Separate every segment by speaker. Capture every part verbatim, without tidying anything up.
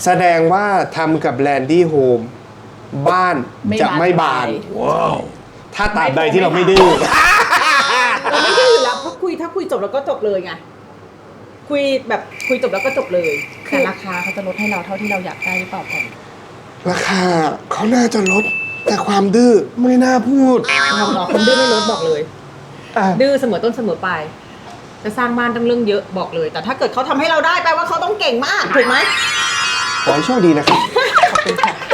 Speaker 1: แสดงว่าทำกับแลนดี้โฮมบ้านจะไม่บานว้าวถ้าตราบใดที่เราไม่ดื้อ
Speaker 2: เราไม่ดื้ออยู่แล้วเพราะคุยถ้าคุยจบแล้วก็จบเลยไงคุยแบบคุยจบแล้วก็จบเลยแต่ราคาเขาจะลดให้เราเท่าที่เราอยากได้หรือเปล่าก่อน
Speaker 1: ราคาเขาน่าจะลดแต่ความดื้อไม่น่าพูด
Speaker 2: เราบอกคนดื้อไม่ลดบอกเลยดื้อเสมอต้นเสมอปลายจะสร้างบ้านต้องเรื่องเยอะบอกเลยแต่ถ้าเกิดเขาทำให้เราได้แปลว่าเขาต้องเก่งมากถูกไหม
Speaker 1: ขอให้โชคดีนะครับ
Speaker 2: ขอบคุณค่ะ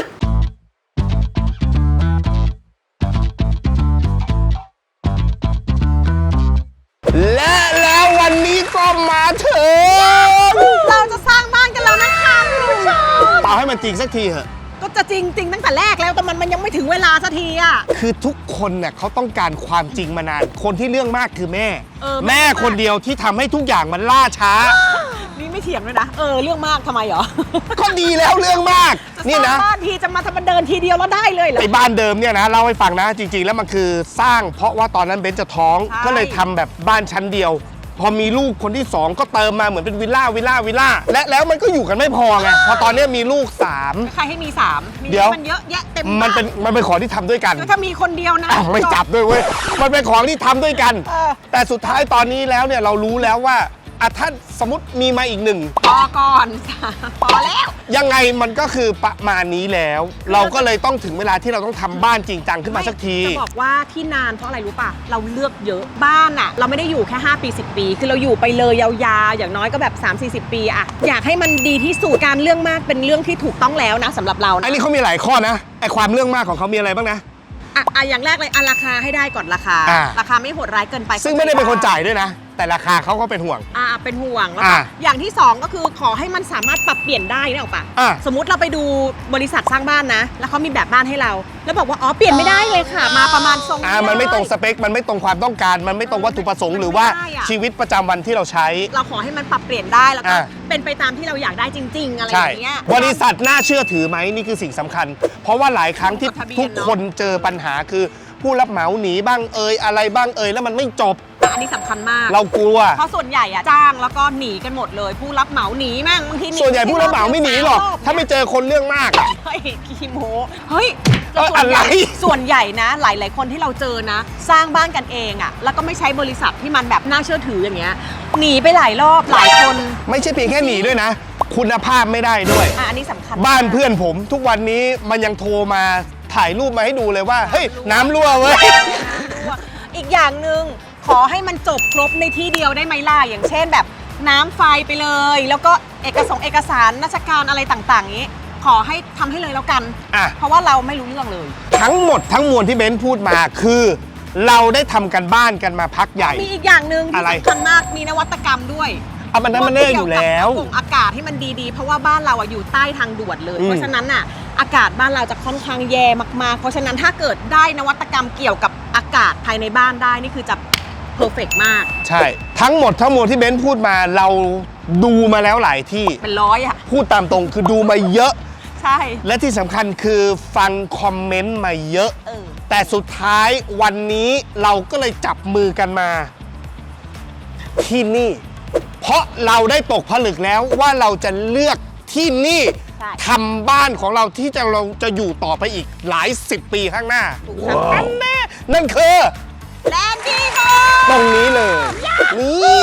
Speaker 1: และแล้ววันนี้ก็มาถึง
Speaker 2: เราจะสร้างบ้านกันแล้วนะคะคุณผู้ชม
Speaker 1: เป่าให้มันจริงสักทีเถอะ
Speaker 2: ก็จะจริงจริงตั้งแต่แรกแล้วแต่มันมันยังไม่ถึงเวลาสักทีอ่ะ
Speaker 1: คือทุกคนเนี่ยเขาต้องการความจริงมานานคนที่เรื่องมากคือแม่แม่คนเดียวที่ทำให้ทุกอย่างมันล่าช้า
Speaker 2: นี่ไม่เถียงเลยนะเออเรื่องมากทำไมเหรอ
Speaker 1: ก็ดีแล้วเรื่องมากนี่นะ
Speaker 2: บ้านทีจะมาทำมันเดินทีเดียวแล้วได้เลยเหรอ
Speaker 1: ไอ้บ้านเดิมเนี่ยนะเล่าให้ฟังนะจริงๆแล้วมันคือสร้างเพราะว่าตอนนั้นเบนจะท้องก็เลยทำแบบบ้านชั้นเดียวพอมีลูกคนที่สองก็เติมมาเหมือนเป็นวิลล่าวิลล่าวิลล่าและแล้วมันก็อยู่กันไม่พอไงพอตอนนี้มีลูกสาม
Speaker 2: ใครให้มีสาม
Speaker 1: เดี๋ยว
Speaker 2: มันเยอะแยะเต็ม
Speaker 1: มันเป็นมันเป็นของที่ทำด้วยกัน
Speaker 2: ถ้ามีคนเดียวนะ
Speaker 1: ไม่จับด้วยเว้ยมันเป็นของที่ทำด้วยกันแต่สุดท้ายตอนนี้แล้วเนี่ยเรารู้แล้วว่าอ่ะถ้าสมมติมีมาอีกหนึ่ง
Speaker 2: พอก่อนพอแล้ว
Speaker 1: ยังไงมันก็คือประมาณนี้แล้วเราก็เลยต้องถึงเวลาที่เราต้องทำบ้านจริงจังขึ้นมาสักที
Speaker 2: จะบอกว่าที่นานเพราะอะไรรู้ป่ะเราเลือกเยอะบ้านอ่ะเราไม่ได้อยู่แค่ห้าปีสิบปีคือเราอยู่ไปเลยยาวๆอย่างน้อยก็แบบสามสี่สิบปีอ่ะอยากให้มันดีที่สุดการเรื่องมากเป็นเรื่องที่ถูกต้องแล้วนะสำหรับเรา
Speaker 1: อันนี้เขามีหลายข้อนะไอความเรื่องมากของเขามีอะไรบ้างนะ
Speaker 2: อ่ะอ่ะอย่างแรกเลยอ่ะราคาให้ได้ก่อนราคาราคาไม่โหดร้ายเกินไป
Speaker 1: ซึ่งไม่ได้เป็นคนจ่ายด้วยนะแต่ราคาเขาก็เป็นห่วง
Speaker 2: อ่าเป็นห่วงแล้วก็อย่างที่สองก็คือขอให้มันสามารถปรับเปลี่ยนได้นะออกปะสมมุติเราไปดูบริษัทสร้างบ้านนะแล้วเขามีแบบบ้านให้เราแล้วบอกว่าอ๋อเปลี่ยนไม่ได้เลยค่ะมาประมาณทรง
Speaker 1: อ่ามันไม่ตรงสเปคมันไม่ตรงความต้องการมันไม่ตรงวัตถุประสงค์หรือว่าชีวิตประจำวันที่เราใช้
Speaker 2: เราขอให้มันปรับเปลี่ยนได้แล้วก็เป็นไปตามที่เราอยากได้จริงๆอะไรอย่างเงี้ย
Speaker 1: บริษัทน่าเชื่อถือไหมนี่คือสิ่งสำคัญเพราะว่าหลายครั้งที่ทุกคนเจอปัญหาคือผู้รับเหมาหนีบ้างเอ่ยอะไรบ้างเอ่ยแล้วมันไม่จบ
Speaker 2: อันนี้สำคัญมาก
Speaker 1: เรากลัว
Speaker 2: เพราะส่วนใหญ่อะจ้างแล้วก็หนีกันหมดเลยผู้รับเหมาหนีแม่งบางที
Speaker 1: ส่วนใหญ่ผู้รับเหมาไม่หนีหรอกถ้าไม่เจอคนเรื่องมาก
Speaker 2: เฮ้ยขี้โม้เฮ้ยส่วนใหญ่ส่วนใหญ่นะหลายๆคนที่เราเจอนะสร้างบ้านกันเองอะแล้วก็ไม่ใช้บริษัทที่มันแบบน่าเชื่อถืออย่างเงี้ยหนีไปหลายรอบหลายคน
Speaker 1: ไม่ใช่เพียงแค่หนีด้วยนะคุณภาพไม่ได้ด้วย
Speaker 2: อันนี้สำคัญ
Speaker 1: บ้านเพื่อนผมทุกวันนี้มันยังโทรมาถ่ายรูปมาให้ดูเลยว่าเฮ้ยน้ำรั่วเว้ย
Speaker 2: อีกอย่างหนึ่งขอให้มันจบครบในที่เดียวได้ไหมล่ะอย่างเช่นแบบน้ำไฟไปเลยแล้วก็เอกสารเอกสารราชการอะไรต่างๆนี้ขอให้ทำให้เลยแล้วกันเพราะว่าเราไม่รู้เรื่องเลย
Speaker 1: ทั้งหมดทั้งมวลที่เบนซ์พูดมาคือเราได้ทำกันบ้านกันมาพักใหญ่
Speaker 2: มีอีกอย่างหนึ่งที่สำคัญมากมีนวัตกรรมด้วย
Speaker 1: อ่ะมันนั้นมันแน่อยู่แล้ว
Speaker 2: กงอากาศให้มันดีๆเพราะว่าบ้านเราอ่ะอยู่ใต้ทางด่วนเลยเพราะฉะนั้นน่ะอากาศบ้านเราจะค่อนข้างแย่มากๆเพราะฉะนั้นถ้าเกิดได้นวัตกรรมเกี่ยวกับอากาศภายในบ้านได้นี่คือจะเพอร์เฟกต์มาก
Speaker 1: ใช่ทั้งหมดทั้งมวลที่เบนซ์พูดมาเราดูมาแล้วหลายที่
Speaker 2: เป็นร้อยอะ
Speaker 1: พูดตามตรงคือดูมาเยอะ
Speaker 2: ใช่
Speaker 1: และที่สำคัญคือฟังคอมเมนต์มาเยอะแต่สุดท้ายวันนี้เราก็เลยจับมือกันมาที่นี่เพราะเราได้ตกผลึกแล้วว่าเราจะเลือกที่นี่ทำบ้านของเราที่จะเราจะอยู่ต่อไปอีกหลายสิบปีข้างหน้านั่นแน่นั่นคือ
Speaker 2: แลนดี้โฮม
Speaker 1: ตรงนี้เลยนี่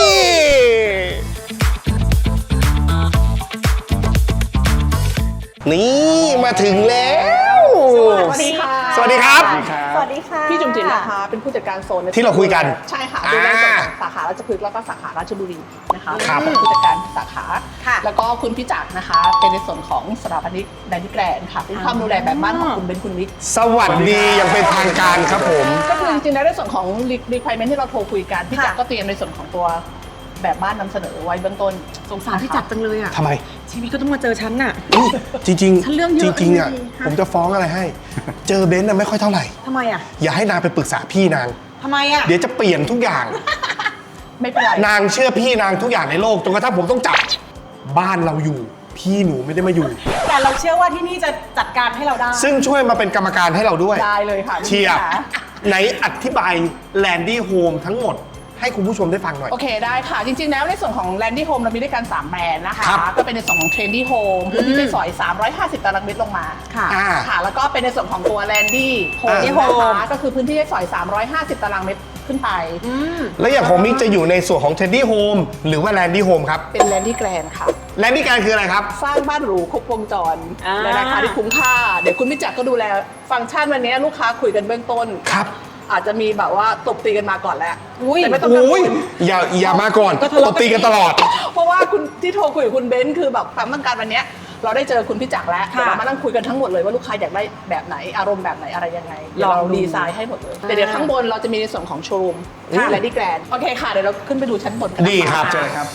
Speaker 1: นี่มาถึงแล้ว
Speaker 2: สวัสดีค่ะ
Speaker 1: สวัสดีครับ
Speaker 2: สวัสดีค่ะ
Speaker 3: พี่จุ๋มจิ๋มนะคะเป็นผู้จัดการโซน
Speaker 1: ที่เราคุยกัน
Speaker 3: ใช่ค่ะดูแลส่วนของสาขาราชพฤกษ์แล้วก็สาขาราชบุรีนะคะเป็นผู้จัดการสาขาแล้วก็คุณพี่จักรนะคะเป็นในส่วนของสถาปนิกแดนนี่แกรนค่ะเป็นความดูแลแบบบ้านของคุณเบนคุณวิทย์
Speaker 1: สวัสดีอย่างเป็นทางการครับผม
Speaker 3: ก็คือจริงๆแล้วในส่วนของ requirement ที่เราโทรคุยกันพี่จักรก็เตรียมในส่วนของตัวแบบบ้านนำเสนอไว้เบื้องต้น
Speaker 2: สงสารพี่จักรจังเลยอ่ะ
Speaker 1: ทำไม
Speaker 2: ชีวิตก็ต้องมาเจอฉันน่ะ
Speaker 1: จริงจริง
Speaker 2: ฉันเรื่องเยอะ
Speaker 1: จริงๆอ่ะผมจะฟ้องอะไรให้เจอเบนซ์น่ะไม่ค่อยเท่าไหร่
Speaker 2: ทำไมอ่ะ
Speaker 1: อย่าให้นางไปปรึกษาพี่นาง
Speaker 2: ทำไมอ่ะ
Speaker 1: เดี๋ยวจะเปลี่ยนทุกอย่าง
Speaker 3: ไม่เป็นไร
Speaker 1: นางเชื่อพี่นางทุกอย่างในโลกจนกระทั่งผมต้องจับบ้านเราอยู่พี่หนูไม่ได้มาอยู่
Speaker 2: แต่เราเชื่อว่าที่นี่จะจัดการให้เราได้
Speaker 1: ซึ่งช่วยมาเป็นกรรมการให้เราด้วย
Speaker 3: ได้เลยค่ะ
Speaker 1: เชียร์ไหนอธิบายแลนดี้โฮมทั้งหมดให้คุณผู้ชมได้ฟังหน่อย
Speaker 3: โอเคได้ค่ะจริงๆแล้วในส่วนของ Landy Home เรามีด้วยกันสามแบรนด์นะคะ
Speaker 1: ครับ
Speaker 3: ก็เป็นในส่วนของ Trendy Home พื้นที่ใช้สอยสามร้อยห้าสิบตารางเมตรลงมา
Speaker 2: ค่ะ
Speaker 1: อ่า
Speaker 3: ค่ะแล้วก็เป็นในส่วนของตัว Landy Home
Speaker 1: อ่า
Speaker 3: นะคะก็คือพื้นที่ใช้สอยสามร้อยห้าสิบตารางเมตรขึ้นไป
Speaker 2: อืม
Speaker 1: แล้วอย่างของมิกจะอยู่ในส่วนของ Trendy Home หรือว่า Landy Home ครับ
Speaker 3: เป็น Landy Grand ค่ะ
Speaker 1: Landy การคืออะไรครับ
Speaker 3: สร้างบ้านหรูครบวงจร
Speaker 2: อ่า
Speaker 3: ในราคาที่คุ้มค่า เดี๋ยวคุณพิจักรก็ดูแลฟังก์ชันวันนี้ลูกค้าคุยกันเบื้องต้น
Speaker 1: ครับ
Speaker 3: อาจจะมีแบบว่าตบตีกันมาก่อนแล้ว
Speaker 2: อุ้ย
Speaker 3: แต่ไม่ต้องกังว
Speaker 1: อุ้ย
Speaker 3: ล
Speaker 1: อย่าอย่ามาก่อน
Speaker 2: ก็ทะเลาะ
Speaker 1: ตบตีกันตลอด
Speaker 3: เพราะว่าคุณที่โทรคุยกับคุณเบนซ์คือแบบความต้องการวันเนี้ยเราได้เจอคุณพิจักรแล้ว
Speaker 2: ค่ะ
Speaker 3: เดี๋ยวเรามานั่งคุยกันทั้งหมดเลยว่าลูกค้าอยากได้แบบไหนอารมณ์แบบไหนอะไรยังไงเดี๋ยว
Speaker 2: ลอง
Speaker 3: เรา
Speaker 2: ดู
Speaker 3: ดีไซน์ให้หมดเลย
Speaker 2: อ่า
Speaker 3: แต่เดี๋ยวข้างบนเราจะมีในส่วนของโชว์รูม
Speaker 1: ค่ะ
Speaker 3: และดีแกรนโอเคค่ะเดี๋ยวเราขึ้นไปดูชั้นบนกัน
Speaker 1: ดีครับ
Speaker 3: นะะ
Speaker 1: เชิญครับ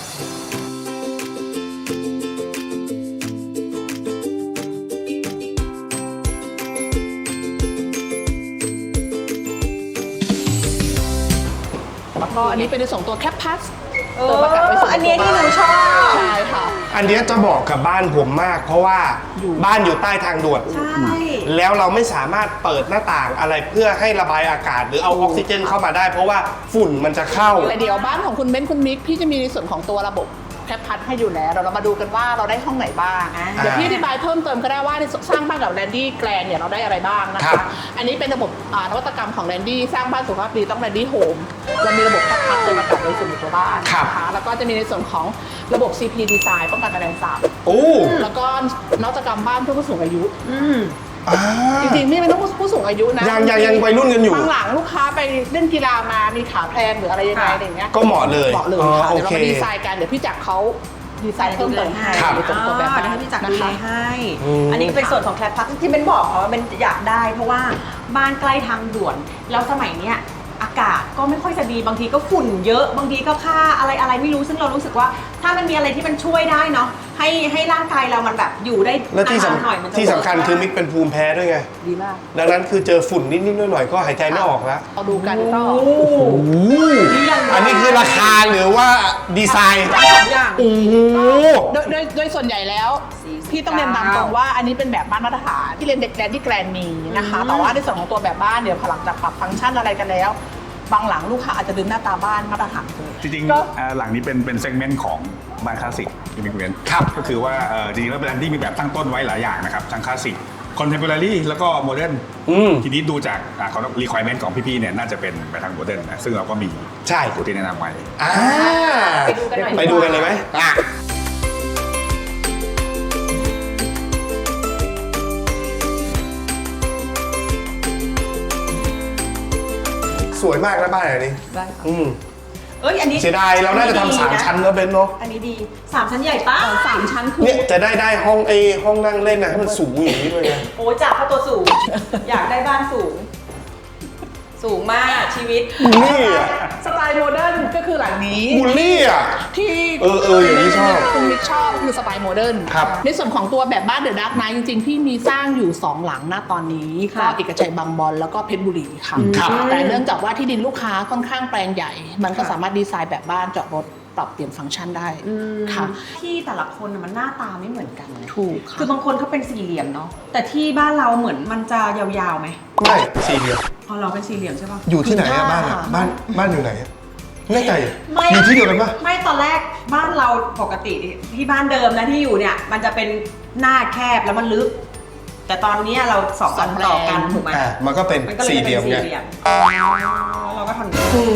Speaker 3: แล้วก็อันนี้เป็นในส่วนตัวแคปพัส
Speaker 2: เอออันนี้ที่หนูชอบ
Speaker 3: ใช่ค่ะ
Speaker 1: อันเนี้ยจะบอกกับบ้านผมมาก เพราะว่าบ้านอยู่ใต้ทางด่วน
Speaker 2: ใช่
Speaker 1: แล้วเราไม่สามารถเปิดหน้าต่างอะไรเพื่อให้ระบายอากาศ หรือเอาออกซิเจนเข้ามาได้ เพราะว่าฝุ่นมันจะเข้า
Speaker 3: แต่เดี๋ยวบ้านของคุณเบนซ์คุณมิกพี่จะมีในส่วนของตัวระบบแคปพัดให้อยู่แล้วเดี๋ยวเรามาดูกันว่าเราได้ห้องไหนบ้าง
Speaker 2: อ่า
Speaker 3: เดี๋ยวพี่อธิบายเพิ่มเติมก็ได้ว่าในสร้างบ้านกับแลนดี้แกรนเนี่ยเราได้อะไรบ้างนะ
Speaker 1: ครั
Speaker 3: คะ
Speaker 1: บ
Speaker 3: อันนี้เป็นระบบอ่านวัตกรรมของแลนดี้สร้างบ้านสุขภาพดีต้องแลนดี้โฮมเรามีระบบแคปพัดจะมาตัดในส่วนของตัวบ้านนะคะแล้วก็จะมีในส่วนของระบบ ซี พี Design ป้องกันแมลงสาบ
Speaker 1: โอ้
Speaker 3: แล้วก็นวัตกรรมบ้านเพื่อผู้สูงอายุ
Speaker 2: อืม
Speaker 1: อ่า
Speaker 3: จริงๆไม่เป็นต้องผู้สูงอายุนะ
Speaker 1: ยังยังยังวัยรุ่นกันอยู่
Speaker 3: บางหลังลูกค้าไปเล่นกีฬามามีขาแพลงหรืออะไรยังไงอะไรอย่างเงี้ย
Speaker 1: ก็เหมาะเลย
Speaker 3: เหมาะเลย
Speaker 1: อ๋อ
Speaker 3: ค่ะ
Speaker 1: โอ
Speaker 3: เดี๋ยวเรา
Speaker 1: เค
Speaker 3: มาดีไซน์กันเดี๋ยวพี่จักรเขาดีไซน์เพิ่มเติมให้
Speaker 1: ครับ
Speaker 3: ในส่วนตัวแบบ
Speaker 2: อ่า
Speaker 3: นั้น
Speaker 2: ให้พี่จักร
Speaker 3: นะ
Speaker 2: ดูแล
Speaker 3: คะ
Speaker 2: ให้
Speaker 1: อืม
Speaker 2: อันนี้เป็นส่วนของแคลพักที่เป็นบอกว่าเป็นอยากได้ เพราะว่าบ้านใกล้ทางด่วน แล้วสมัยเนี้ยอากาศก็ไม่ค่อยจะดีบางทีก็ฝุ่นเยอะบางทีก็ค่าอะไรอะไรไม่รู้ซึ่งเรารู้สึกว่า ถ้ามันมีอะไรที่มันช่วยได้เนาะให้ให้ร่างกายเรามันแบบอยู่ได้
Speaker 1: และที่
Speaker 2: นาน
Speaker 1: สำ
Speaker 2: ๆหน่อยมันจะ
Speaker 1: ที่สำคัญคือมิกเป็นภูมิแพ้ด้วยไง
Speaker 3: ดีมาก
Speaker 1: ดังนั้นคือเจอฝุ่นนิดๆหน่อยๆก็หายใจไม่ออกแล้ว
Speaker 3: เราดูกันก็
Speaker 2: โอ้โห
Speaker 1: อันนี้คือราคาหรือว่าดีไซน์
Speaker 2: สองอย่าง
Speaker 1: โอ้โห
Speaker 3: โดยโดยโดยส่วนใหญ่แล้ว
Speaker 2: สี่สิบ
Speaker 3: พี่ต้องเรียนตามตรงว่าอันนี้เป็นแบบบ้านมาตรฐานที่เรียนเด็กแกรนที่แกรนมีนะคะ
Speaker 2: อืม
Speaker 3: แต่ว่าในส่วนของตัวแบบบ้านเดี๋ยวพอหลังจากปรับฟังก์ชันอะไรกันแล้ว บางหลังลูกค้าอาจจะดึงหน้าตาบ้านมาตรฐานเลย
Speaker 4: จริง
Speaker 3: ก็
Speaker 4: ๆอ่าหลังนี้เป็นเป็นเซกเมนต์ของบ้านคลาสสิกที่มีเรียน
Speaker 1: ครับ
Speaker 4: ก็คือว่าเอ่อจริงๆแล้วเป็นที่มีแบบตั้งต้นไว้หลายอย่างนะครับทั้งคลาสสิกคอนเทมพอรารีแล้วก็โมเดิร์น
Speaker 1: อืม
Speaker 4: ทีนี้ดูจากอ่าเขารีควอรเมนต์ของพี่ๆเนี่ยน่าจะเป็นไปทางโมเดิร์นนะซึ่งเราก็มี
Speaker 1: ใช่
Speaker 4: ตัวที่แนะนำไว้
Speaker 1: อ่า
Speaker 2: ไปดูกันหน่อย
Speaker 1: ไปดูกันเลยไหมอ่ะสวยมากนะบ้านอันนี้
Speaker 3: ได้ค่ะ
Speaker 1: อืม
Speaker 2: เอ้ยอันนี้
Speaker 1: เสียดายเราน่าจะทำสามชั้นแล้วเบนเนาะ
Speaker 2: อันนี้ดีสามชั้นใหญ่ปะ
Speaker 3: สามชั้นคือ
Speaker 1: เนี่ยจะได้ได้ห้องไอห้องนั่งเล่นนะให้มันสูงอย่างนี้ด้วยไง
Speaker 2: โอ้ยจากเขาตัวสูง อยากได้บ้านสูง สูงมากชีวิต
Speaker 1: บูลลี่อ่ะ
Speaker 3: สไตล์โมเดิร์นก็คือหลังนี้
Speaker 1: บูลลี่อ่ะ
Speaker 3: ที่
Speaker 1: เออเอออย่างนี้ชอบ
Speaker 3: คุณมิกชอบคือสไตล์โมเดิร์น
Speaker 1: ครับ
Speaker 3: ในส่วนของตัวแบบบ้านเดอะดาร์กไนท์จริงๆ พี่มีสร้างอยู่ สอง หลังณตอนนี้
Speaker 2: ค่ะ
Speaker 3: ก็เอกชัยบางบอนแล้วก็เพชรบุรีค่ะ
Speaker 1: ครับ
Speaker 3: แต่เนื่องจากว่าที่ดินลูกค้าค่อนข้างแปลงใหญ่ มันก็สามารถดีไซน์แบบบ้านจอดรถปรับเปลี่ยนฟังก์ชันได้ค่ะ
Speaker 2: ที่แต่ละคนน่ะมันหน้าตาไม่เหมือนกันเลย
Speaker 3: ถูกค่ะ
Speaker 2: คือบางคนเขาเป็นสี่เหลี่ยมเนาะแต่ที่บ้านเราเหมือนมันจะยาวๆไหม
Speaker 1: ไม่สี่เหลี่ยม
Speaker 2: พอเราเป็นสี่เหลี่ยมใช่ปะ
Speaker 1: อยู่ที่ไหนอะ
Speaker 3: ค่ะ
Speaker 1: บ้านอะบ้านบ้านอยู่ไหนอะแน่ใจอะ
Speaker 2: ไม่
Speaker 1: อยู่ที่เดียวกันปะ
Speaker 2: ไม่ตอนแรกบ้านเราปกติที่บ้านเดิมนะที่อยู่เนี่ย มันจะเป็นหน้าแคบแล้วมันลึก แต่ตอนนี้เราสองอันต่อกันถูกไหม
Speaker 1: อ่ามันก็เป็น
Speaker 2: มันก็เลย
Speaker 1: สี่
Speaker 2: เป็น
Speaker 1: เหลี่ยมไง
Speaker 2: สี่เหลี่ยมแล้วเราก็ทำอย่างนี้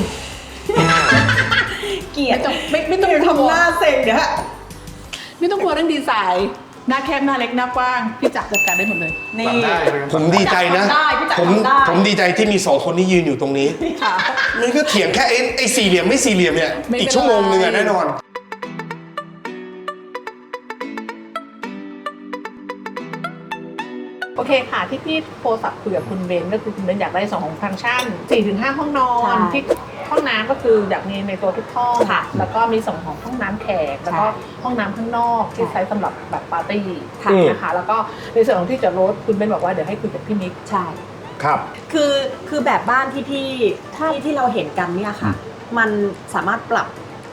Speaker 2: เกลียด
Speaker 3: ไม่ไม่ต้อง
Speaker 2: เดี๋ยว
Speaker 3: กลั
Speaker 2: ทำ
Speaker 3: ว
Speaker 2: หน้าเซ็งเดี๋ยวฮะ
Speaker 3: ไม่ต้องกลัวเรื่องดีไซน์หน้าแคบหน้าเล็กหน้ากว้างพี่จักรจัดการได้หมดเลย
Speaker 2: นี่
Speaker 4: ทำได้
Speaker 1: ผมดีใจนะ
Speaker 2: พี่จักรทำได้พี่จักร
Speaker 1: ผม
Speaker 2: ทำได้
Speaker 1: ผมดีใจที่มีสองคนที่ยืนอยู่ตรงนี้
Speaker 3: ค่ะ
Speaker 1: มันก็เถียงแค่ไอ้ไอ้สี่เหลี่ยมไม่สี่เหลี่ยมเนี่ย
Speaker 3: ไม่เป็นไร
Speaker 1: อีกชั่วโมงนึงอะแน่นอน
Speaker 3: โอเคค่ะที่พี่โทรศัพท์คุยกับคุณเบนก็คือคุณเบนอยากได้สองของฟังก์ชัน สี่ถึงห้า ห้องนอน
Speaker 2: ใช่
Speaker 3: ที่ห้องน้ำก็คืออยากมีในตัวทุกห้อง
Speaker 2: ค่ะ
Speaker 3: แล้วก็มีส่งของห้องน้ำแขกแล้วก็
Speaker 2: ใช่
Speaker 3: ห้องน้ำข้างนอกที่
Speaker 2: ใช่
Speaker 3: ใช้สำหรับแบบปาร์ตี้
Speaker 2: ค่ะ
Speaker 3: นะคะแล้วก็ในส่วนของที่จอดรถคุณเบนบอกว่าเดี๋ยวให้คุยกับพี่มิก
Speaker 2: ใช่
Speaker 1: ครับ
Speaker 2: คือคือแบบบ้านที่พี่ที่ที่เราเห็นกันเนี่ยค่ะ มันสามารถปรับ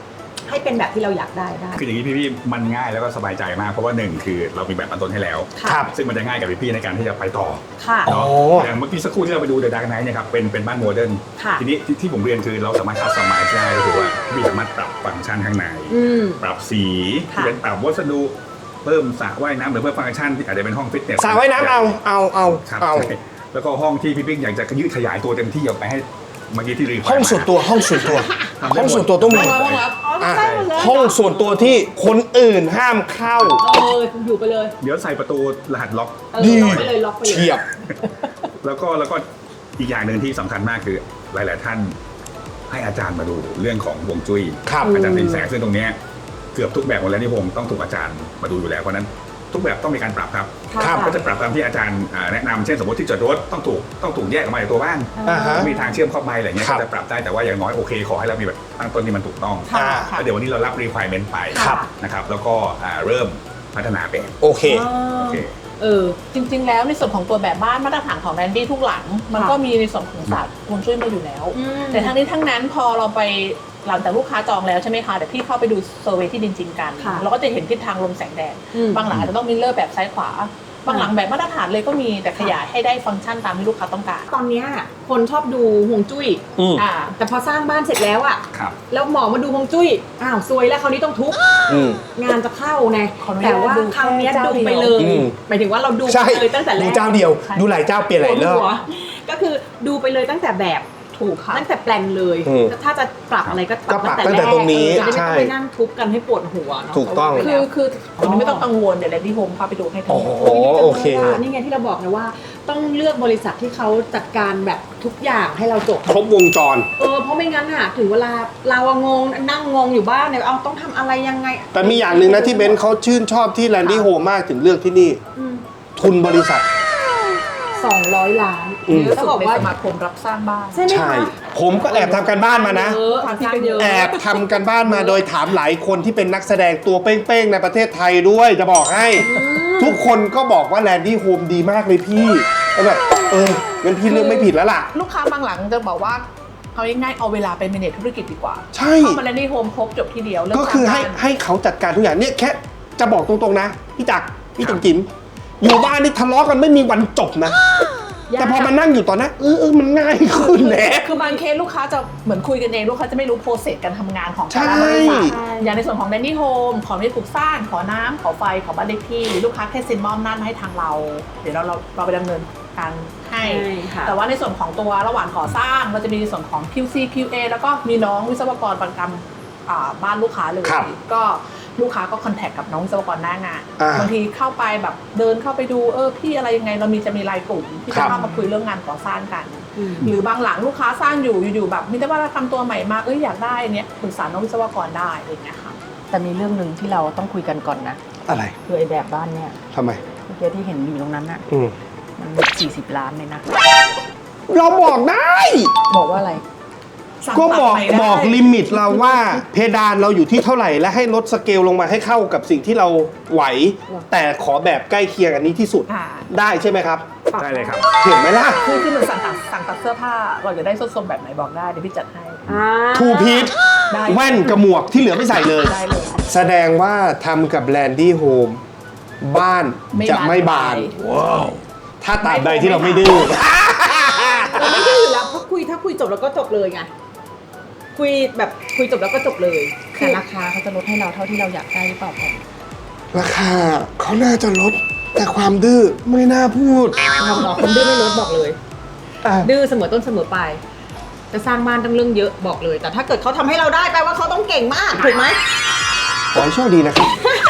Speaker 2: ให้เป็นแบบที่เราอยากได้ได้
Speaker 4: คืออย่างนี้พี่ๆมันง่ายแล้วก็สบายใจมากเพราะว่าหนึ่งคือเรามีแบบอันต้นให้แล้ว
Speaker 1: ครับ
Speaker 4: ซึ่งมันจะง่ายกับพี่ๆในการที่จะไปต่อ
Speaker 2: ค่ะ
Speaker 4: เนาะ
Speaker 1: โอ้
Speaker 4: อย่างเมื่อกี้สักครู่ที่เราไปดู The Dark Knight เนี่ยครับเป็นเป็นบ้านโมเดิร์น
Speaker 2: ค่ะ
Speaker 4: ทีนี้ที่ที่ผมเรียนคือเราสามารถคัสตอมไมซ์ได้ก็คือว่าพี่สามารถปรับฟังก์ชันข้างใน
Speaker 2: อืม
Speaker 4: ปรับสี
Speaker 2: ค่ะ
Speaker 4: เป็นปรับวัสดุเพิ่มสระว่ายน้ำหรือเพิ่มฟังก์ชันที่อาจจะเป็นห้องฟิตเนส
Speaker 1: สระว่ายน้ำเอาเอาเอา
Speaker 4: ครับ
Speaker 1: เอา
Speaker 4: ใช่แล้วก็ห้องที่พี่ปิ๊กอยากจะยืดขยายตัวเต็มที่ออกไปให้เมื่อกี้ที่รี
Speaker 1: ห้องส่วนตัวห้องส่วนตัว
Speaker 4: ทำได้หมด
Speaker 1: ห้องส่วนตัวต้องมี
Speaker 3: ห้องรับ
Speaker 1: อ่ะห้องส่วนตัวที่คนอื่นห้ามเข้า
Speaker 2: เอออยู่ไปเลย
Speaker 4: เดี๋ยวใส่ประตูรหัสล็อก
Speaker 2: เออ
Speaker 1: ดี
Speaker 2: ล็อกไปเลยล็อกไปเลย
Speaker 1: เฉียบ
Speaker 4: แล้วก็แล้วก็อีกอย่างหนึ่งที่สำคัญมากคือหลาย ๆ ท่านให้อาจารย์มาดูเรื่องของฮวงจุ้ย
Speaker 1: ครับ
Speaker 4: อาจารย์สินแสซึ่งตรงเนี้ยเกือบทุกแบบหมดแล้วนี่ผมต้องถูกอาจารย์มาดูอยู่แล้วเพราะฉะนั้นทุกแบบต้องมีการปรับครับ
Speaker 1: ครับ
Speaker 4: ก็จะปรับตามที่อาจารย์อ่าแนะนำเช่นสมมติที่จอดรถต้องถูกต้องถูกแยกออกมาจากตัวบ้าน
Speaker 1: อ่าฮะ
Speaker 4: มีทางเชื่อมเข้าไปอะไรเงี้ย
Speaker 1: ครับ
Speaker 4: ก็จะปรับได้แต่ว่าอย่างน้อยโอเคขอให้เรามีแบบตั้งต้นที่มันถูกต้อง
Speaker 1: อ่า
Speaker 4: แล้วเดี๋ยววันนี้เรารับ requirement ไป
Speaker 1: ครับ
Speaker 4: นะครับแล้วก็อ่าเริ่มพัฒนาเป็น
Speaker 1: โอเค
Speaker 4: โอเค
Speaker 2: เออ
Speaker 3: จริงๆ แล้วในส่วนของตัวแบบบ้านมาตรฐานของแรนดี้ทุกหลัง มันก็มีในส่วนของศาสตร์ฮวงจุ้ยมาอยู่แล้ว
Speaker 2: อืม
Speaker 3: แต่ทั้งนี้ทั้งนั้นพอเราไปหลังจากลูกค้าจองแล้วใช่ไหมคะเดี๋ยวพี่เข้าไปดูเซอร์เวย์ที่ดินจริงกัน
Speaker 2: ค่ะ
Speaker 3: เราก็จะเห็นทิศทางลมแสงแดด
Speaker 2: อืม
Speaker 3: บางหลังอาจจะต้องมิลเลอร์แบบซ้ายขวา บางหลังแบบมาตรฐานเลยก็มีแต่ขยายให้ได้ฟังก์ชันตามที่ลูกค้าต้องการ
Speaker 2: ตอนเนี้ยคนชอบดูฮวงจุ้ย
Speaker 1: อืม
Speaker 3: อ่า
Speaker 2: แต่พอสร้างบ้านเสร็จแล้วอะ
Speaker 4: ครับ
Speaker 2: แล้วหมอมาดูฮวงจุ้ยอ้าวซวยแล้วคราวนี้ต้องทุบ
Speaker 1: อืม
Speaker 2: งานจะเข้าไง
Speaker 3: ขออนุญาต
Speaker 2: แต่ว่า
Speaker 3: ดู
Speaker 2: คราวเนี้ย
Speaker 3: แค่เจ้า
Speaker 2: ดูไป
Speaker 3: เดี
Speaker 2: เล
Speaker 3: ยว
Speaker 2: ย
Speaker 1: อืม
Speaker 2: หมายถึงว่าเราดู
Speaker 1: ใช่
Speaker 2: ไปเลยตั้งแต่แร
Speaker 1: ดู
Speaker 2: ก
Speaker 1: เจ้าเดียว ดูหลายเจ้าเปลี่ยนหลายรอบ
Speaker 2: หัวก็คือดูไปเลยตั้งแต่แบบ
Speaker 3: ถูกค่ะ
Speaker 2: ตั้งแต่แปลนเลย
Speaker 1: อืม
Speaker 2: ถ้าจะปรับอะไรก็
Speaker 1: ก็ปรับ
Speaker 2: ตั้
Speaker 1: ตั้งแต่ตรงนี้
Speaker 2: แกเออจะได้ไม่
Speaker 1: ใช่
Speaker 2: ต้องไปนั่งทุบกันให้ปวดหัวเนาะ
Speaker 1: ถูกต้อง
Speaker 2: เพราะว่าไป
Speaker 3: คื
Speaker 2: แล้
Speaker 3: อ
Speaker 2: ว
Speaker 3: คือคุณไม่ต้องกังวลเดี๋ยวแรนดี้โฮมเข้าไปดูให้ทั้ง
Speaker 1: โอ้
Speaker 3: หม
Speaker 1: โห
Speaker 3: ด
Speaker 1: โอเค
Speaker 2: นี่ไงที่เราบอกนะว่า ต้องเลือกบริษัทที่เขาจัดการแบบทุกอย่างให้เราจบ
Speaker 1: ครบวงจร
Speaker 2: เออเพราะไม่งั้นอะถึงเวลาเราอะงงนั่งงงอยู่บ้านเนี่ยเอาต้องทำอะไรยังไง
Speaker 1: แต่มีอย่างหนึ่งนะที่เบนซ์เขาชื่นชอบที่แลนดี้โฮมมากถึงเลือกที่นี่
Speaker 2: อืม
Speaker 1: ทุนบริษัท
Speaker 2: สองร้อยล้าน
Speaker 1: อืม
Speaker 3: เยอะ
Speaker 2: ต้อ
Speaker 3: สุ
Speaker 2: ง
Speaker 3: ด
Speaker 2: บอก
Speaker 3: ใน
Speaker 2: ว่า
Speaker 3: สมาคมรับสร้างบ้าน
Speaker 2: ใช่ไหม
Speaker 1: ใช่
Speaker 2: คะ
Speaker 1: ผมก็แอบทำการบ้านมานะ
Speaker 2: เยอะทำเยอะ
Speaker 1: แอบทำกันบ้านมาโดยถามหลายคนที่เป็นนักแสดงตัวเป้งๆในประเทศไทยด้วยจะบอกให้ ทุกคนก็บอกว่าแลนดี้โฮมดีมากเลยพี่แล้วแบบเอองั้นพี่เลือกไม่ผิดแล้วล่ะ
Speaker 3: ลูกค้าบางหลังจะบอกว่าเอาง่ายๆเอาเวลาไป manage ธุรกิจดีกว่า
Speaker 1: ใช่
Speaker 3: เข้ามาแลนดี้โฮมครบจบทีเดียวเรื่อง
Speaker 1: ก็คือให้
Speaker 3: สร้างบ้าน
Speaker 1: ให้เขาจัดการทุกอย่างเนี่ยแค่จะบอกตรงๆนะพี่จักรพี่จุ๋มจิ๋มอยู่บ้านนี่ทะเลาะกันไม่มีวันจบนะ แต่พอมานั่งอยู่ตอนนั้นเออเออมันง่ายขึ้นแหละ
Speaker 3: คือบางเคสลูกค้าจะเหมือนคุยกันเองลูกค้าจะไม่รู้โปรเซสการทำงานของแต่ละ
Speaker 1: ใช่
Speaker 3: บริษัทอย่างในส่วนของแลนดี้โฮมขอที่ปลูกสร้างขอน้ำขอไฟขอบ้านเลขที่ลูกค้าแค่เซ็นมอบหน้าจมาให้ทางเรา เดี๋ยวเราเราเราไปดำเนินการให้
Speaker 2: ใช่ค่ะ
Speaker 3: แต่ว่าในส่วนของตัวระหว่างก่อสร้างเราจะมีในส่วนของ คิว ซี คิว เอ แล้วก็มีน้องวิศวกรประจำอ่าบ้านลูกค้าเลย
Speaker 1: ครับ
Speaker 3: ก็ลูกค้าก็คอนแทคกับน้องวิศวกรหน้างาน
Speaker 1: อ่า
Speaker 3: บางทีเข้าไปแบบเดินเข้าไปดูเออพี่อะไรยังไงเรามีจะมีไลน์กลุ่มที่
Speaker 1: ครั
Speaker 3: จะ
Speaker 1: บ
Speaker 3: เข้ามาคุยเรื่องงานก่อสร้างกัน
Speaker 2: อืม
Speaker 3: หรือบางหลังลูกค้าสร้างอยู่อยู่ๆแบบมีแต่ว่าเราทำตัวใหม่มาเอ้ยอยากได้เนี้ยปรึกษาน้องวิศวกรได้อะไรอย่างเงี้ยค่ะ
Speaker 5: แต่มีเรื่องหนึ่งที่เราต้องคุยกันก่อนนะ
Speaker 1: อะไร
Speaker 5: คือไอ้แบบบ้านเนี่ย
Speaker 1: ทำไม
Speaker 5: เมื่อกี้ที่เห็นอยู่ตรงนั้นน่ะ
Speaker 1: อืม
Speaker 5: มันสี่สิบล้านเลยนะ
Speaker 1: เราบอกได้
Speaker 5: บอกว่าอะไร
Speaker 1: ก็บอกบอกลิมิตเราว่าเพดานเราอยู่ที่เท่าไหร่และให้ลดสเกลลงมาให้เข้ากับสิ่งที่เราไหว แต่ขอแบบใกล้เคียงอันนี้ที่สุด
Speaker 3: อ่า
Speaker 1: ได้ใช่ไหมครับ
Speaker 4: ได้เลยครับ
Speaker 1: เห็นไหมล่ะ
Speaker 3: คือคือเหมือนสั่งตัดสั่งตัดเสื้อผ้าเราจะได้ส้นทรงแบบไหนบอกได้เดี๋ยวพี่จัดให้
Speaker 2: อ่า
Speaker 1: ทูพีท
Speaker 3: ได้
Speaker 1: แว่นกับหมวกที่เหลือไม่ใส่เลย
Speaker 3: ได้เลย
Speaker 1: แสดงว่าทำกับแลนดี้โฮมบ้าน
Speaker 3: ไม่
Speaker 1: จะไม่บาน
Speaker 3: บาน
Speaker 1: ว้าวถ้าตราบใดที่เราไม่ดื้อ
Speaker 2: เราไม่ดื้ออยู่แล้วเพราะคุยถ้าคุยจบแล้วก็จบเลยไงคุยแบบคุยจบแล้วก็จบเลย
Speaker 5: แต่ราคาเขาจะลดให้เราเท่าที่เราอยากได้หรือเปล่าแพน
Speaker 1: ราคาเขาน่าจะลด แต่ความดื้อไม่น่าพูด
Speaker 2: เราบอกคนดื้อไม่ลดบอกเลย
Speaker 1: อ่ะ
Speaker 2: ดื้อเสมอต้นเสมอปลายจะสร้างบ้านต้องเรื่องเยอะบอกเลย แต่ถ้าเกิดเขาทำให้เราได้แปลว่าเขาต้องเก่งมากถูกไหม
Speaker 1: ขอให้โชคดีนะครับ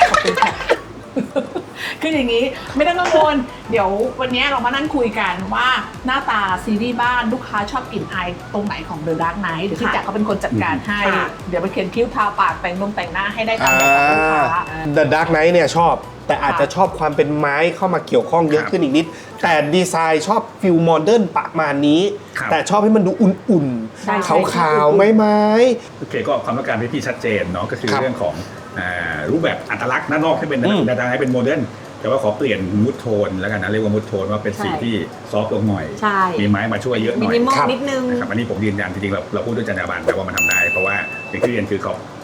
Speaker 3: คืออย่างนี้ไม่ต้องกังวลเดี๋ยววันนี้เรามานั่งคุยกันว่าหน้าตาซีรีส์บ้านลูกค้าชอบกลิ่นอายตรงไหนของ The Dark Knight เดี๋ยวพี่แจ็คเขาเป็นคนจัดการให้ เดี๋ยวไปเขียนคิ้วทาปากแต่งนมแต่งหน้าให้ได้ตามแบบของลูกค้า
Speaker 1: The Dark Knight เนี่ยชอบ แต่อาจจะชอบความเป็นไม้เข้ามาเกี่ยวข้องเยอะขึ้นอีกนิด แต่ดีไซน์ชอบฟิลโมเดิร์นประมาณนี้
Speaker 4: ครับ
Speaker 1: แต่ชอบให้มันดูอุ่น
Speaker 2: ใช่
Speaker 1: ๆ
Speaker 2: ใช่
Speaker 1: ขาวๆ ไม้ไม้
Speaker 4: โอเคก็ความต้องการที่ชัดเจนเนาะก็คือ
Speaker 1: ครับ
Speaker 4: เรื่องของอ่ารูปแบบอัตลักษณ์ด้านนอกที่เป็น
Speaker 1: อืม
Speaker 4: ด้านในให้เป็นโมเดิร์นแต่ว่าขอเปลี่ยนมูดโทนแล้วกันนะเรียกว่ามูดโทนว่าเป็นสี
Speaker 2: ใช่
Speaker 4: ที่ซอฟต์ลงหน่อย
Speaker 2: ใช่
Speaker 4: มีไม้มาช่วยเยอะห
Speaker 2: มิ
Speaker 4: น่อย
Speaker 2: นิมอล
Speaker 1: ครับ
Speaker 2: นิดนึง
Speaker 4: นะครับอันนี้ผมยืนยันจริงๆเราเราพูดด้วยจรรยาบรรณแต่ว่ามันทำได้ เพราะว่าอย่างที่เรียนคือขอบ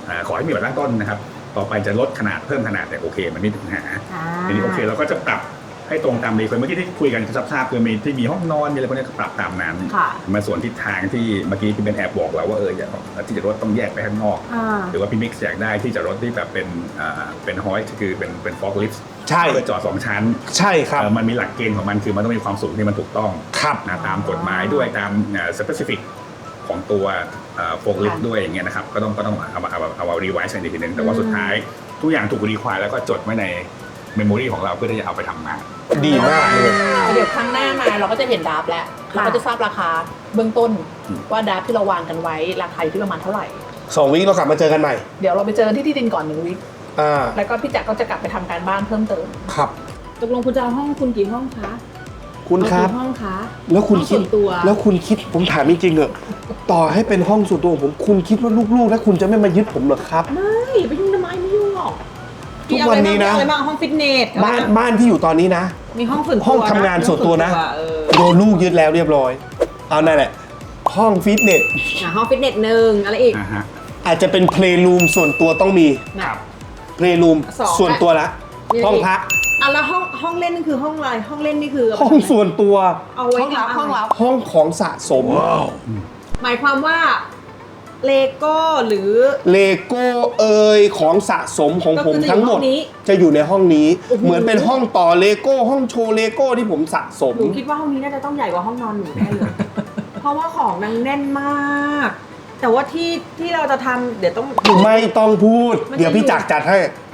Speaker 4: อ่าขอให้มีบัตรตั้งต้นนะครับต่อไปจะลดขนาดเพิ่มขนาดแต่โอเคมันไม่มีปัญหา
Speaker 2: อ่า
Speaker 4: ทีนี้โอเคเราก็จะปรับให้ตรงตามรีเควสเมื่อกี้ที่คุยกันทราบๆคือมีที่มีห้องนอนมีอะไรพวกนี้ก็ปรับตามนั้น
Speaker 2: ค่ะ
Speaker 4: มาส่วนทิศทางที่เมื่อกี้พี่เป็นแอบบอกเราว่าเอออยากที่จะรถต้องแยกไปข้างนอก
Speaker 2: อ่า
Speaker 4: หรือว่าพี่มิกซ์อยากได้ที่จะรถที่แบบเป็นอ่าเป็นฮอยคือเป็นเป็นฟอกลิฟต์
Speaker 1: ใช่
Speaker 4: เพื่อจอดสองชั้น
Speaker 1: ใช่ครับ
Speaker 4: เอ่อมันมีหลักเกณฑ์ของมันคือมันต้องมีความสูงที่มันถูกต้อง
Speaker 1: ครับ
Speaker 4: นะตามกฎหมายด้วยตามสเปซิฟิกของตัวโฟล์คลิฟต์ด้วยอย่างเงี้ยนะครับก็ต้องก็ต้องเอามาเอาเอาเอารีไวซ์กันอีกทีนึงแต่ว่าสุดท้ายทุกอย่างถูกรีควายแล้วก็จดไว้ในเมมโมรีของเราเพื่อที่จะเอาไปทำงาน
Speaker 1: ดีมากเลย
Speaker 3: เดี๋ยวครั้งหน้ามาเราก็จะเห็นดราฟต์แล้วเราก็จะทราบราคาเบื้องต้นว่าดราฟต์ที่เราวางกันไว้ราคาอยู่ที่ประมาณเท่าไหร่
Speaker 1: สองวิเรากลับมาเจอกันใหม่
Speaker 3: เดี๋ยวเราไปเจอกันที่ที่ดินก่อนหนึ่งวิค
Speaker 1: อ่า
Speaker 3: แล้วก็พี่แจ็คก็จะกลับไปทำการบ้านเพิ่มเติม
Speaker 1: ครับ
Speaker 5: ตกลงคุณจะเอาห้องคุณกี่ห้องคะ
Speaker 1: คุณครับ
Speaker 5: เอากี่ห้องคะ
Speaker 1: แล้วคุณ
Speaker 5: ห้อง
Speaker 1: คิด
Speaker 5: ส่วนตัว
Speaker 1: แล้วคุณคิดผมถามจริงๆเหอะต่อให้เป็นห้องส่วนตัวของผมคุณคิดว่าลูกๆแล้วคุณจะไม่มายึดผมเหรอครับ
Speaker 5: ไม่ไปยุ่งทำไมไม่ยุ่งหรอก
Speaker 1: ทุกวันนี้นะ
Speaker 2: มีอะไรบ้างห้องฟิตเนส
Speaker 1: บ้านบ้านที่อยู่ตอนนี้นะ
Speaker 2: มีห้องส่วนตัว
Speaker 1: ห้องทำงานส่วนตัวนะ
Speaker 2: เออ
Speaker 1: โดนลูกยึดแล้วเรียบร้อย เอานั่นแหละ ห้องฟิตเนส
Speaker 2: อ่ะห้องฟิตเนสหนึ่งอะไรอีก
Speaker 4: อ่าฮะ
Speaker 1: อาจจะเป็นเพลย์รูมส่วนตัวต้องมี
Speaker 4: ครับ
Speaker 1: เพลย์รูม
Speaker 2: สอง
Speaker 1: ส่วนตัวละ
Speaker 2: มีอะไรอีก
Speaker 1: ห้องพัก
Speaker 2: อ่ะแล้วห้องห้องเล่นนี่คือห้องอะไรห้องเล่นนี่คือ
Speaker 1: ห้องส่วนตัว
Speaker 2: เอาไว้
Speaker 3: ห้องรับ
Speaker 2: ทำะไร
Speaker 3: ห้องรับ
Speaker 1: ห้องของสะสม
Speaker 2: หมายความว่าเลโก้หรือ
Speaker 1: เลโก้เอยของสะสมของผม
Speaker 2: ก็คือจะอยู่
Speaker 1: ทั้งหมด
Speaker 2: ห้องนี้
Speaker 1: จะอยู่ในห้องนี้
Speaker 2: โอ้โห
Speaker 1: เหมือนเป็นห้องต่อเลโก้ห้องโชว์เลโก้ที่ผมสะสม
Speaker 2: หนูคิดว่าห้องนี้น่าจะต้องใหญ่กว่าห้องนอนหนูแน่เลย เพราะว่าของนางแน่นมาก แต่ว่าที่ที่เราจะทำเดี๋ยวต้อง
Speaker 1: ไม่ต้องพูด
Speaker 2: มันจะ
Speaker 1: เดี๋ยวพี่จักรจัดให้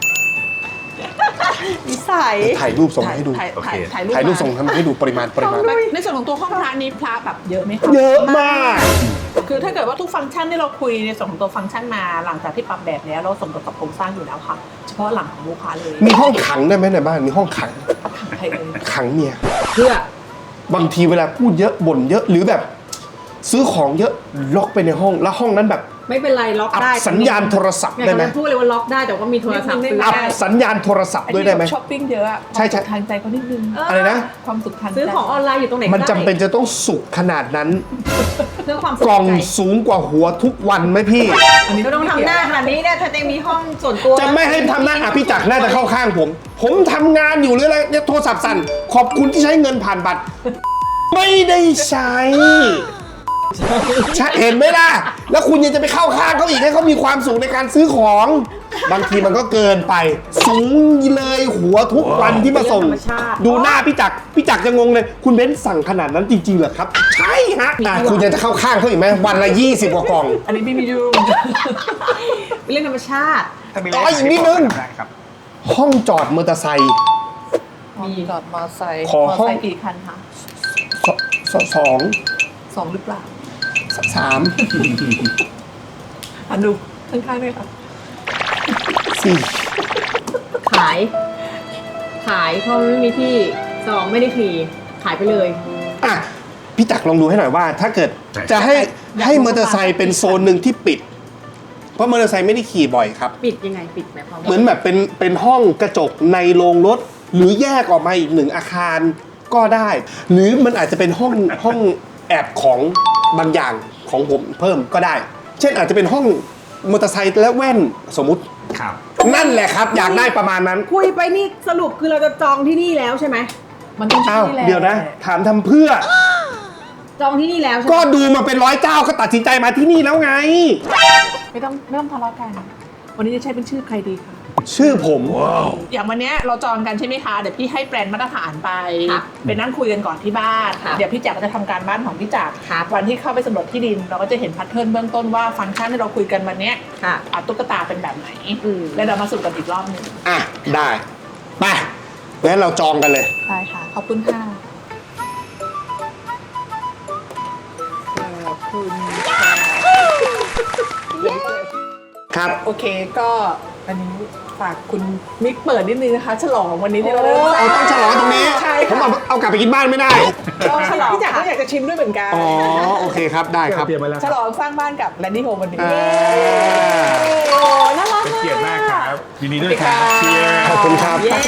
Speaker 2: นิสัย
Speaker 1: ถ่ายรูปส่งให้ดู
Speaker 3: ถ่าย
Speaker 4: โอเค
Speaker 3: ถ่ายถ่ายรูป
Speaker 1: ถ่ายรูป
Speaker 3: ม
Speaker 1: ส่งทำให้ดูปริมาณปริมาณ
Speaker 3: ในส่วนของตัวห้องพระนี้พระแบบเยอะไหมคะ
Speaker 1: เยอะมาก
Speaker 3: คือถ้าเกิดว่าทุกฟังก์ชันที่เราคุยในส่วนของตัวฟังก์ชันมาหลังจากที่ปรับแบบแล้วเราสมกับโครงสร้างอยู่แล้วค่ะ เฉพาะหลังของลูกค้าเลย
Speaker 1: มีห้องขังได้ไหมในบ้านมีห้องขัง
Speaker 3: ใครเอ่ย
Speaker 1: ขังเมีย
Speaker 2: เพื่อบ
Speaker 1: างทีเวลาพูดเยอะบ่นเยอะหรือแบบ ซื้อของเยอะล็อกไปในห้องแล้วห้องนั้นแบบ
Speaker 2: ไม่เป็นไรล็อก
Speaker 1: อับ
Speaker 2: ได้
Speaker 1: สัญญาณโทรศัพท์
Speaker 2: อยาก
Speaker 1: ได้ไหม
Speaker 2: จะพูดเลยว่าล็อกได้แต่ว่ามีโทรศัพท์ซื้อ
Speaker 1: อับ
Speaker 2: ได้
Speaker 1: สัญญาณโทรศัพท์
Speaker 3: อัน
Speaker 1: ด้วย
Speaker 3: นี้
Speaker 1: ได้ไหม
Speaker 3: ช้อปปิ้งเยอะอะ
Speaker 1: ใช่ใช่
Speaker 3: ความสุขทางใจก็นิดนึง
Speaker 1: อะไรนะ
Speaker 3: ความสุขทางใจ
Speaker 2: ซื้อของออนไลน์อยู่ตรงไหนก็
Speaker 1: มัน
Speaker 2: ได้
Speaker 1: จำเป็นจะต้องสุกขนาดนั้น
Speaker 2: เพื่อความส
Speaker 1: กล่อง
Speaker 2: ใจ
Speaker 1: สูงกว่าหัวทุกวันไหมพี่
Speaker 2: ก็ต้องทำหน้าขนาดนี้เนี่ยเธอจะมีห้องส่วนตัว
Speaker 1: จะไม่ให้ทำหน้าอ่ะพี่จักรน่าจะเข้าข้างผม ผมทำงานอยู่หรืออะไรเนี่ยโทรศัพท์สั่น ขอบคุณที่ใช้เงินผ่านบัตร ไม่ได้ใช้ใช่เห็นไหมล่ะ แล้วคุณยังจะไปเข้าข้างเขาอีกให้เขามีความสุขในการซื้อของ บางทีมันก็เกินไป สูงเลยหัวทุกวันที่มาส่ง ดูหน้าพี่จักรพี่จักรจะงงเลย คุณเบ้นสั่งขนาดนั้นจริงๆเหรอครับ ใช่ฮะอ่ะคุณยังจะเข้าข้างเขาอีกไหมวันละยี่สิบกว่ากล่อง
Speaker 3: อันนี้ไม่มียู
Speaker 2: เป็นเรื่องธรรมชาติ
Speaker 4: ถ้ามี
Speaker 1: อ๋ออีกนิดนึง
Speaker 4: ได้ครับ
Speaker 1: ห้องจอดมอเตอร์ไซค์
Speaker 3: มีจอดมอไซค์
Speaker 1: ขอ
Speaker 3: มอ
Speaker 1: ห้อง
Speaker 3: ไซค์กี่คันคะ
Speaker 1: สสสอง
Speaker 3: สองหรือเปล่า
Speaker 1: สาม
Speaker 3: อันดูข้างๆด้วยค่ะ
Speaker 1: สี่
Speaker 2: ขาย ขายเพราะมันไม่มีที่สองไม่ได้ขี่ขายไปเลย
Speaker 1: อ่ะพี่จักรลองดูให้หน่อยว่า ถ้าเกิด
Speaker 4: ใช่
Speaker 1: จะให้
Speaker 3: อยาก
Speaker 1: ให้
Speaker 3: รู้
Speaker 1: มอเตอร์ไซค์เป็นโซนหนึ่งที่ปิด เพราะมอเตอร์ไซค์ไม่ได้ขี่บ่อยครับ
Speaker 2: ปิดยังไงปิดหมายความว่า
Speaker 1: เหมือนแบบเป็นเป็นห้องกระจกในโรงรถ หรือแยกออกมาอีกหนึ่งอาคารก็ได้ หรือมันอาจจะเป็นห้องห้องแอบของบางอย่างของผมเพิ่มก็ได้ เช่นอาจจะเป็นห้องมอเตอร์ไซค์และแว่นสมมุติ
Speaker 4: ครับ
Speaker 1: นั่นแหละครับอยากได้ประมาณนั้น
Speaker 2: คุยไปนี่สรุปคือเราจะจองที่นี่แล้วใช่ไหม
Speaker 3: มันต้อง
Speaker 1: อ้าว
Speaker 3: ที่แหละ
Speaker 1: เดี๋ยวนะ ถามทำเพื่อ
Speaker 2: จองที่นี่แล้วใช่ไหม
Speaker 1: ก็ดูมาเป็นร้อยเจ้าก็ตัดสินใจมาที่นี่แล้วไง
Speaker 3: ไม่ต้องไม่ต้องทะเลาะกัน วันนี้จะใช้เป็นชื่อใครดีคะ
Speaker 1: ชื่อผม
Speaker 3: อย่างวันเนี้ยเราจองกันใช่ไหมคะ เดี๋ยวพี่ให้แปลนมาตรฐานไป ไปนั่งคุยกันก่อนที่บ้าน เดี๋ยวพี่จักรก็จะทำการบ้านของพี่จักรวันที่เข้าไปสำรวจที่ดิน เราก็จะเห็นแพทเทิร์นเบื้องต้นว่าฟังก์ชันที่เราคุยกันวันเนี้ย
Speaker 2: ค่ะ
Speaker 3: อ่ะตุ๊กตาเป็นแบบไหน
Speaker 2: อืม
Speaker 3: แล้วเรามาสรุปกันอีกรอบหนึง
Speaker 1: อ่ะ ได้ ไปงั้นเราจองกันเลย
Speaker 3: ใช่ค่ะ ขอบคุณค่ะ ขอบคุณค่ะ
Speaker 1: ครับ
Speaker 3: โอเคก็อันนี้ฝากคุณมิกเปิดนิดนึงนะคะ ฉลองวันนี้ที่เราเริ่ม
Speaker 1: เอาต้องฉลองตรงนี้
Speaker 3: ใช่
Speaker 1: ผม
Speaker 3: ค่ะ
Speaker 1: เอาเอากลับไปกินบ้านไม่ได้
Speaker 3: เราฉลองพี่จักรก็อยากจะชิมด้วยเหมือนกัน
Speaker 1: อ๋อ โอเคครับ ได้ครับ
Speaker 4: เตรียมไว้แล้ว
Speaker 3: ฉลองสร้างบ้านกับแลนดี้โฮมวันนี้
Speaker 1: อ่า
Speaker 3: โอ้น่ารัก
Speaker 4: เป็นเกียรติมากครับ ยินดีด้วยค
Speaker 3: ครั
Speaker 4: รับ บเชียร์
Speaker 1: ขอบคุณครับ
Speaker 2: เย้